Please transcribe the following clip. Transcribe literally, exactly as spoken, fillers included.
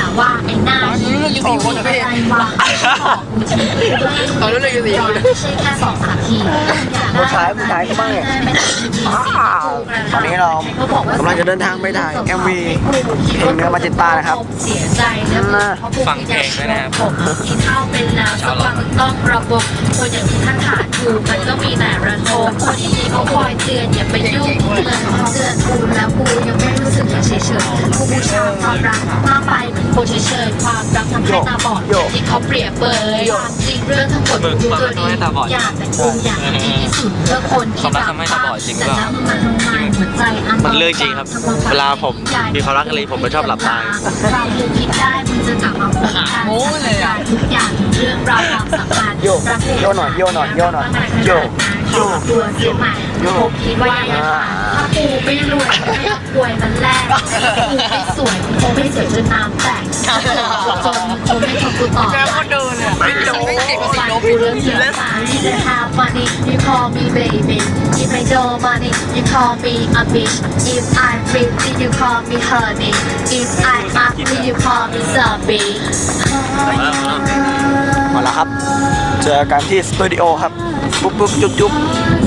ว่าไอ้หน้านี้มีอะไรวะตอนนั้นเลยสี่คนไม่ใช่แค่สองสามทีผู้ชายผู้ชายก็บ้างตอนนี้เรากำลังจะเดินทางไปถ่าย เอ็ม วี เพลงเนื้อมาจิตตานะครับฟังเพลงด้วยนะครับที่เท่าเป็นแล้วสักวันต้องระบบคนอย่างที่ท่านขาดอยู่มันก็มีแต่ระทมคนที่เขาคอยเตือนอย่าไปยุ่งเตือนเตือนกูแล้วกูยังไม่รู้สึกอย่างเฉยเฉยกูบูชาความรักมากไปเหมือนคนเฉยเฉยความรักทำให้ตาบอดที่เขาเปรียบเปยความจริงเรื่องทั้งหมดดูตัวดีอยากแต่กูอยากดีที่สุดเพื่อคนที่รักแต่แล้วมันทำไมหัวใจอันมันเรื่องจริงครับเวลาผมมีความรักอะไรผมก็ชอบหลับตาเราดูคิดได้มึงจะกลับมาพบกันโม้เลยอ่ะทุกอย่างเรื่องราวความสัมพันธ์โยโยหน่อยโยหน่อยโยหน่อยโยโยตัวเสียใหม่ผมคิดว่ายังไงถ้าปูไม่รวยไม่ป่วยมันแรกปูไม่สวยคงไม่สวยจนน้ำแตกจนคงไม่ทำกูต่อแล้วก็เดินอ่ะไม่โดนไม่โดนกูเรื่องเสียสารที่จะทำ money you call me baby if I don't money you call me a bitch if I pretty you call me honey if I ugly you call me zombie มาแล้วครับเจอกันที่สตูดิโอครับปุ๊บปุ๊บจุ๊บจุ๊บ